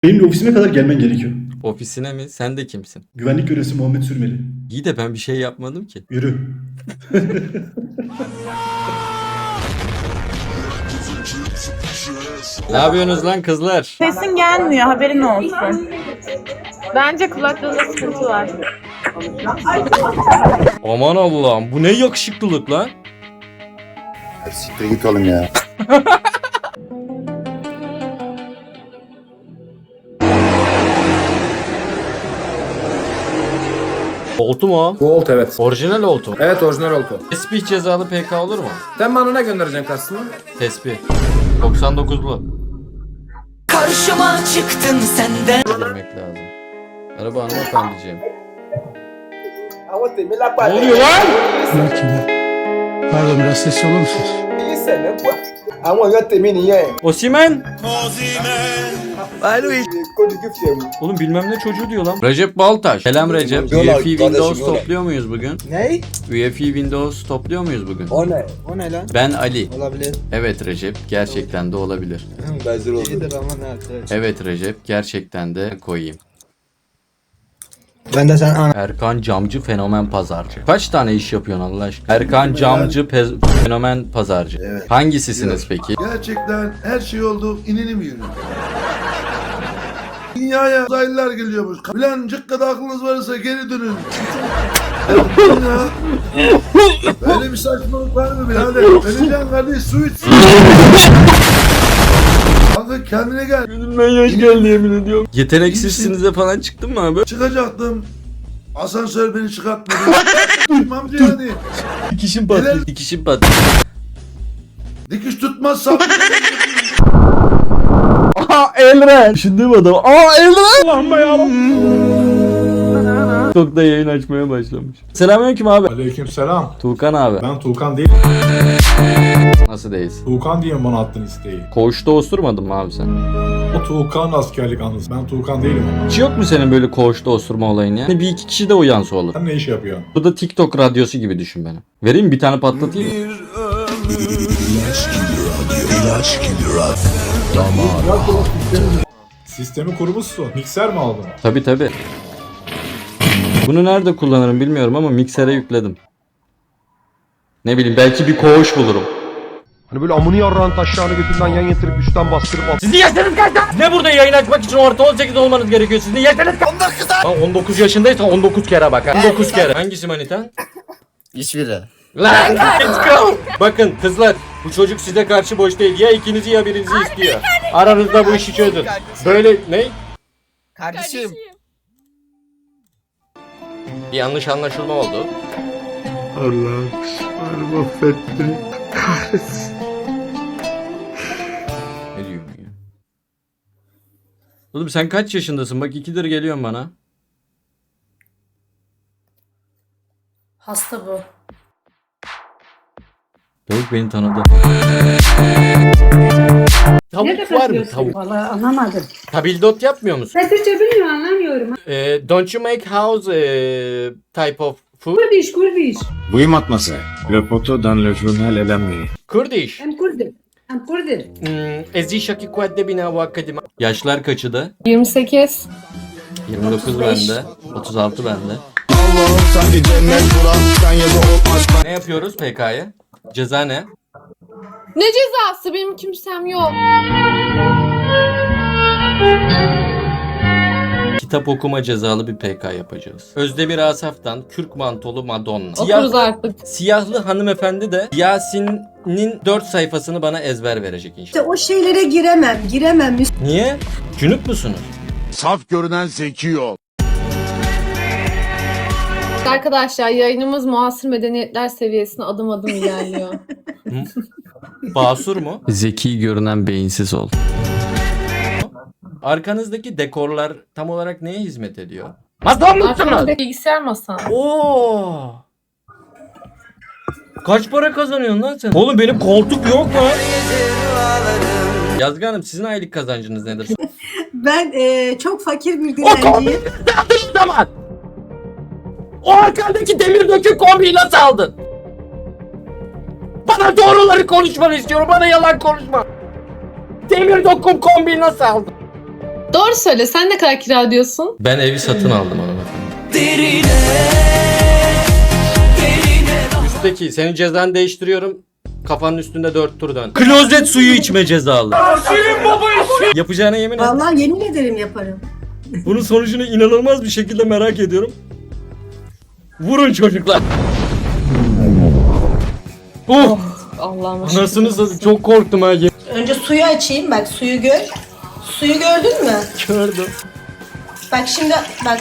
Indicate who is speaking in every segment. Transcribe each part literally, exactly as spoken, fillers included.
Speaker 1: Benim ofisime kadar gelmen gerekiyor.
Speaker 2: Ofisine mi? Sen de kimsin?
Speaker 1: Güvenlik görevlisi Muhammed Sürmeli.
Speaker 2: İyi de ben bir şey yapmadım ki.
Speaker 1: Yürü.
Speaker 2: Ne yapıyorsunuz lan kızlar?
Speaker 3: Sesin gelmiyor, haberin olsun.
Speaker 4: Bence kulaklığında sıkıntı var.
Speaker 2: Aman Allah'ım, bu ne yakışıklılık lan?
Speaker 5: Siktir git oğlum ya.
Speaker 2: Oltu mu o?
Speaker 6: Bu oltu evet.
Speaker 2: Orijinal oltu mu?
Speaker 6: Evet orijinal oltu.
Speaker 2: Tesbih cezalı P K olur mu?
Speaker 6: Sen bana ne göndereceksin kastını?
Speaker 2: Tesbih. doksan dokuzlu.
Speaker 7: Karşıma çıktın senden.
Speaker 2: Girmek lazım. Merhaba hanımefendiciğim.
Speaker 6: Ne
Speaker 2: Ne oluyor lan?
Speaker 8: Pardon biraz sesli olur musunuz?
Speaker 2: Osimhen. Oğlum bilmem ne çocuğu diyor lan. Recep Baltaş. Selam Recep. U E F Windows topluyor muyuz bugün?
Speaker 8: Ne?
Speaker 2: U E F Windows topluyor muyuz bugün?
Speaker 8: O ne? O ne lan?
Speaker 2: Ben Ali.
Speaker 8: Olabilir.
Speaker 2: Evet Recep, gerçekten de olabilir.
Speaker 8: Bezir oldu. İyidir ama ne arkadaş.
Speaker 2: Evet Recep, gerçekten de koyayım.
Speaker 8: Ben de sen ana.
Speaker 2: Erkan Camcı Fenomen Pazarcı. Kaç tane iş yapıyorsun Allah aşkına? Erkan Camcı Pe- Fenomen Pazarcı.
Speaker 5: Evet.
Speaker 2: Hangisisiniz peki?
Speaker 9: Gerçekten her şey oldu, inelim yürü. Dünyaya uzaylılar geliyormuş. Bilancık kadar aklınız varsa geri dönün. Ya. Böyle bir saçmalık var mı birader? Öleceğim kardeş, su iç. Kanka kendine gel.
Speaker 2: Gözümden yaş geldi yemin ediyorum. Yeteneksizsinize falan çıktın mı abi?
Speaker 9: Çıkacaktım. Asansör beni çıkartmadı. Durmam yani.
Speaker 2: Dikişim
Speaker 9: Neler-
Speaker 2: patladı. Dikişim patladı.
Speaker 9: Dikiş tutmazsam.
Speaker 2: Aha Elren. Düşündüğüm adam. Aa Elren. Allah'ım ya. Çok da yayın açmaya başlamış. Selamünaleyküm abi.
Speaker 10: Aleykümselam.
Speaker 2: Tuğkan abi.
Speaker 10: Ben Tuğkan değil.
Speaker 2: Nasıl değilsin?
Speaker 10: Tuğkan diye bana attın isteği.
Speaker 2: Koğuşta osurmadın mı abi sen?
Speaker 10: O Tuğkan askerlik anısı. Ben Tuğkan değilim ama.
Speaker 2: Hiç yok mu senin böyle koğuşta osurma olayın ya? Hani bir iki kişi de uyansa olur.
Speaker 10: Sen ne iş yapıyorsun?
Speaker 2: Bu da TikTok radyosu gibi düşün beni. Vereyim mi? Bir tane patlatayım mı?
Speaker 10: Sistemi kurmuşsun. Mikser mi aldın?
Speaker 2: Tabi tabi. Bunu nerede kullanırım bilmiyorum ama miksere yükledim. Ne bileyim belki bir koğuş bulurum.
Speaker 11: Hani böyle amını yarrağın taşlarını götünden yan getirip üstten bastırıp at.
Speaker 2: Sizin yaşınız kaç lan? Ne burada yayın açmak için orta on sekiz olmanız gerekiyor. Sizin yaşınız kaç? on dokuz lan. on dokuz yaşındaysan on dokuz kere bak. on dokuz kere. Hangisi manitan?
Speaker 5: Hiçbiri.
Speaker 2: Lan let's go. Bakın kızlar bu çocuk size karşı boş değil. Ya ikinizi ya birinizi istiyor. Aranızda bu işi çözün. Böyle ne?
Speaker 7: Kardeşim.
Speaker 2: Bir yanlış anlaşılma oldu.
Speaker 9: Allah'ım beni mahvetti.
Speaker 2: Ne diyorum ya? Oğlum sen kaç yaşındasın? Bak ikidir geliyorsun bana.
Speaker 4: Hasta bu.
Speaker 2: Tavuk beni tanıdı. Tavuk var mı tavuk?
Speaker 3: Vallahi anlamadım.
Speaker 2: Tabildot yapmıyor musun?
Speaker 3: Ben Türkçe bilmiyorum, anlamıyorum.
Speaker 2: Eh, don't you make house eh, type of food?
Speaker 3: Kurdiş, Kurdiş.
Speaker 11: Buyum matması. Le poto dans le journal elemi.
Speaker 2: Kurdiş.
Speaker 3: Hem Kurdim. Hem Kurdim.
Speaker 2: Hmm, Ezi şaki kuadde bina bu akademi. Yaşlar kaçı da?
Speaker 4: yirmi sekiz.
Speaker 2: yirmi dokuz bende. otuz altı bende. Ne yapıyoruz P K'ya? Ceza ne?
Speaker 4: Ne cezası? Benim kimsem yok.
Speaker 2: Kitap okuma cezalı bir P K yapacağız. Özdemir Asaf'tan Kürk Mantolu Madonna.
Speaker 4: Okuruz artık.
Speaker 2: Siyahlı hanımefendi de Yasin'in dört sayfasını bana ezber verecek inşallah.
Speaker 3: İşte o şeylere giremem, giremem.
Speaker 2: Niye? Cünüp musunuz?
Speaker 11: Saf görünen zeki ol.
Speaker 4: Arkadaşlar yayınımız muasır medeniyetler seviyesine adım adım ilerliyor.
Speaker 2: Basur mu? Zeki görünen beyinsiz ol. Arkanızdaki dekorlar tam olarak neye hizmet ediyor? Masam mısınız?
Speaker 4: Arkamda bilgisayar masam.
Speaker 2: Oo. Kaç para kazanıyorsun lan sen? Oğlum benim koltuk yok mu? Yazgı Hanım sizin aylık kazancınız nedir?
Speaker 3: Ben e, çok fakir bir
Speaker 2: O kombiyi
Speaker 3: dilenciyim.
Speaker 2: nasıl aldın o zaman? O arkandaki demir döküm kombiyi nasıl aldın? Bana doğruları konuşmanı istiyorum. Bana yalan konuşma. Demir döküm kombiyi nasıl aldın?
Speaker 4: Doğru söyle. Sen ne kadar kira ödüyorsun?
Speaker 2: Ben evi satın aldım hanımefendi.
Speaker 7: Derine Derine
Speaker 2: Üstteki senin cezanı değiştiriyorum. Kafanın üstünde dört tur dön. Klozet suyu içme cezalı. Yapacağına yemin et.
Speaker 3: Vallahi yemin ederim yaparım.
Speaker 2: Bunun sonucunu inanılmaz bir şekilde merak ediyorum. Vurun çocuklar. Oh!
Speaker 4: Allah'ım.
Speaker 2: Anasını satayım, çok korktum ha.
Speaker 3: Önce suyu açayım bak suyu gör. Suyu gördün mü?
Speaker 2: Gördüm.
Speaker 3: Bak şimdi bak.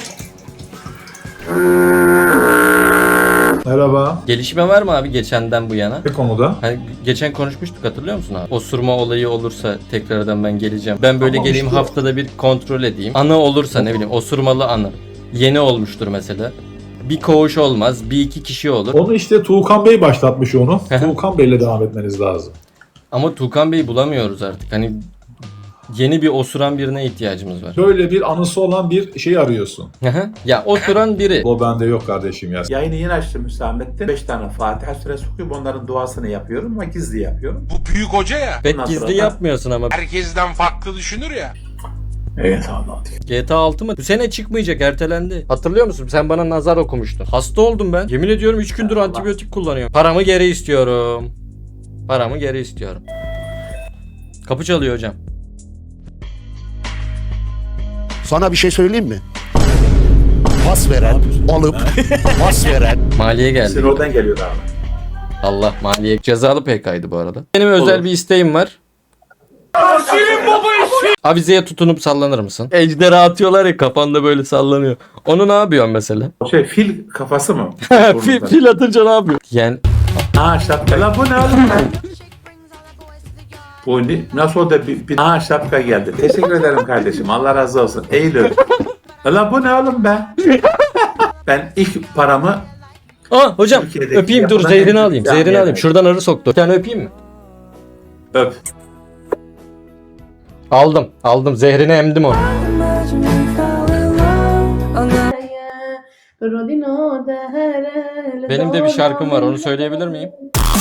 Speaker 10: Merhaba.
Speaker 2: Gelişme var mı abi geçenden bu yana?
Speaker 10: Ne konuda?
Speaker 2: Hani geçen konuşmuştuk, hatırlıyor musun abi? Osurma olayı olursa tekrardan ben geleceğim. Ben böyle
Speaker 10: Tamam,
Speaker 2: geleyim
Speaker 10: işte.
Speaker 2: haftada bir kontrol edeyim. Anı olursa ne bileyim osurmalı anı. Yeni olmuştur mesela. Bir koğuş olmaz, bir iki kişi olur.
Speaker 10: Onu işte Tuğkan Bey başlatmış onu. Tuğkan Bey'le devam etmeniz lazım.
Speaker 2: Ama Tuğkan Bey'i bulamıyoruz artık. Hani yeni bir osuran birine ihtiyacımız var.
Speaker 10: Şöyle bir anısı olan bir şey arıyorsun.
Speaker 2: Ya osuran biri.
Speaker 10: O bende yok kardeşim ya.
Speaker 12: Yayını yeni açtım Hüsamettin. beş tane Fatiha suresi okuyup onların duasını yapıyorum ama gizli yapıyorum.
Speaker 8: Bu büyük hoca ya.
Speaker 2: Pek
Speaker 12: Ondan
Speaker 2: gizli
Speaker 12: sonra da-
Speaker 2: yapmıyorsun ama.
Speaker 8: Herkesten farklı düşünür ya.
Speaker 12: Evet Allah.
Speaker 2: G T A altı mı? Bu sene çıkmayacak, ertelendi. Hatırlıyor musun? Sen bana nazar okumuştun. Hasta oldum ben. Yemin ediyorum üç gündür
Speaker 12: Allah.
Speaker 2: antibiyotik kullanıyorum. Paramı geri istiyorum. Paramı geri istiyorum. Kapı çalıyor hocam.
Speaker 11: Sana bir şey söyleyeyim mi? Pas veren, alıp pas veren.
Speaker 2: Maliye
Speaker 12: Sizin
Speaker 2: geldi.
Speaker 12: oradan geliyor abi.
Speaker 2: Allah, maliye. Cezalı P K'ydı bu arada. Benim özel
Speaker 12: Olur.
Speaker 2: bir isteğim var. Avizeye tutunup sallanır mısın? Ejderha atıyorlar ya, kafanda böyle sallanıyor. Onu ne yapıyorsun mesela?
Speaker 12: Şey fil kafası mı?
Speaker 2: fil, fil atınca ne yapıyor? Yani
Speaker 12: Aa şapka. Lan bu ne oğlum lan? Bu ne? Nasıl o da bir, bir... Aa şapka geldi. Teşekkür ederim kardeşim. Allah razı olsun. Eylül. Lan bu ne oğlum be? Ben ilk paramı
Speaker 2: Aa hocam
Speaker 12: Türkiye'deki
Speaker 2: öpeyim, dur
Speaker 12: yapılan
Speaker 2: zehrini
Speaker 12: en-
Speaker 2: alayım.
Speaker 12: Yani
Speaker 2: Zehrini
Speaker 12: yani.
Speaker 2: alayım. Şuradan arı soktu. Bir tane öpeyim mi?
Speaker 12: öp.
Speaker 2: Aldım. Aldım. Zehrini emdim onu. Benim de bir şarkım var. Onu söyleyebilir miyim?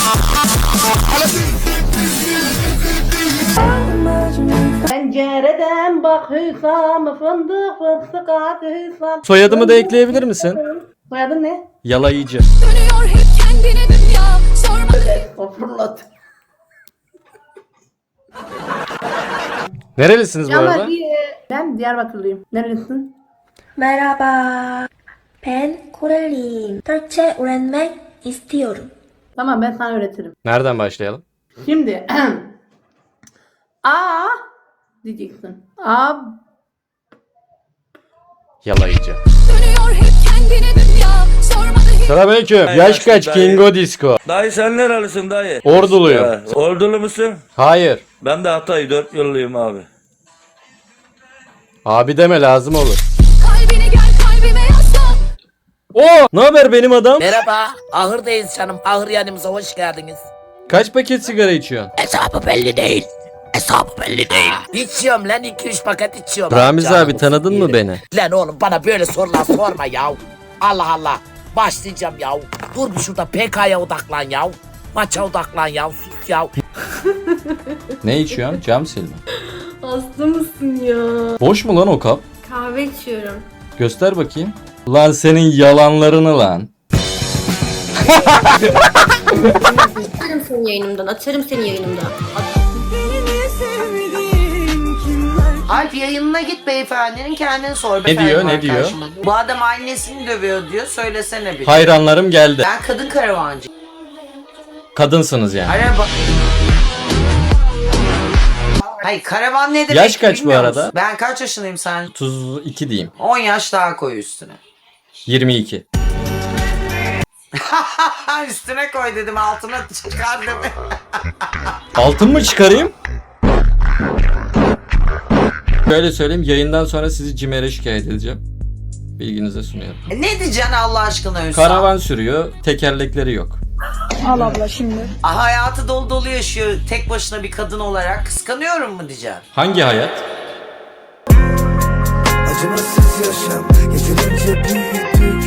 Speaker 3: Pencereden bak Hüsam fındık fıstık at Hüsam.
Speaker 2: Soyadımı da ekleyebilir misin?
Speaker 3: Soyadın ne?
Speaker 2: Yalayıcı.
Speaker 7: Dönüyor hep kendine dünya sorma
Speaker 3: O fırlat.
Speaker 2: Nerelisiniz bu arada?
Speaker 3: Ben Diyarbakırlıyım. Nerelisin?
Speaker 13: Merhaba. Ben Koreliyim. Türkçe öğrenmek istiyorum.
Speaker 3: Tamam ben sana öğretirim.
Speaker 2: Nereden başlayalım?
Speaker 3: Şimdi A diyeceksin. A
Speaker 2: Yalayıcı.
Speaker 7: Dönüyor hep kendine dünya sorma
Speaker 2: Selamünaleyküm. Yaş kaç Kingo Disco?
Speaker 8: Dayı sen nerelisin dayı?
Speaker 2: Orduluyum.
Speaker 8: Ya, Ordulu musun?
Speaker 2: Hayır.
Speaker 8: Ben de Hatay dört yıllıyım abi.
Speaker 2: Abi deme, lazım olur.
Speaker 7: Kalbine gel kalbime yaslan.
Speaker 2: Oo! Ne haber benim adam?
Speaker 7: Merhaba, ahırdayız canım. Ahır yanımıza hoş geldiniz.
Speaker 2: Kaç paket sigara içiyorsun?
Speaker 7: Hesabı belli değil. Hesabı belli değil. İçiyorum lan iki üç paket içiyorum.
Speaker 2: Ramiz
Speaker 7: Canım
Speaker 2: abi, tanıdın mı
Speaker 7: yerim.
Speaker 2: beni?
Speaker 7: Lan oğlum bana böyle sorular sorma ya. Allah Allah. Başlayacağım ya. Dur bir şurada P K'ya odaklan ya. Maça odaklan ya. Sus ya.
Speaker 2: Ne içiyorsun? Cam silme.
Speaker 4: Hasta mısın ya?
Speaker 2: Boş mu lan o kap?
Speaker 4: Kahve içiyorum.
Speaker 2: Göster bakayım. Lan senin yalanlarını lan.
Speaker 13: Atarım seni yayınımdan. Atarım seni yayınımdan.
Speaker 7: Alp yayınına git beyefendinin kendini sor.
Speaker 2: Ne diyor, ne diyor?
Speaker 7: Bu adam annesini dövüyor diyor. Söylesene bir.
Speaker 2: Hayranlarım geldi.
Speaker 7: Ben kadın karavancı.
Speaker 2: Kadınsınız yani.
Speaker 7: Araba. Hayır karavan ne demek
Speaker 2: Yaş kaç bu
Speaker 7: bilmiyor
Speaker 2: arada?
Speaker 7: musun? Ben kaç yaşındayım sen?
Speaker 2: otuz iki diyeyim.
Speaker 7: on yaş daha koy üstüne.
Speaker 2: yirmi iki.
Speaker 7: Üstüne koy dedim altına çıkar dedim.
Speaker 2: Altın mı çıkarayım? Şöyle söyleyeyim, yayından sonra sizi CİMER'e şikayet edeceğim. Bilginize sunuyorum.
Speaker 7: Ne diyeceksin Allah aşkına Hüsam?
Speaker 2: Karavan sürüyor, tekerlekleri yok.
Speaker 3: al abla şimdi.
Speaker 7: Ah, hayatı dolu dolu yaşıyor tek başına bir kadın olarak. Kıskanıyorum mu diyeceksin?
Speaker 2: Hangi hayat?
Speaker 7: Acımasız yaşam yeterince büyüdü.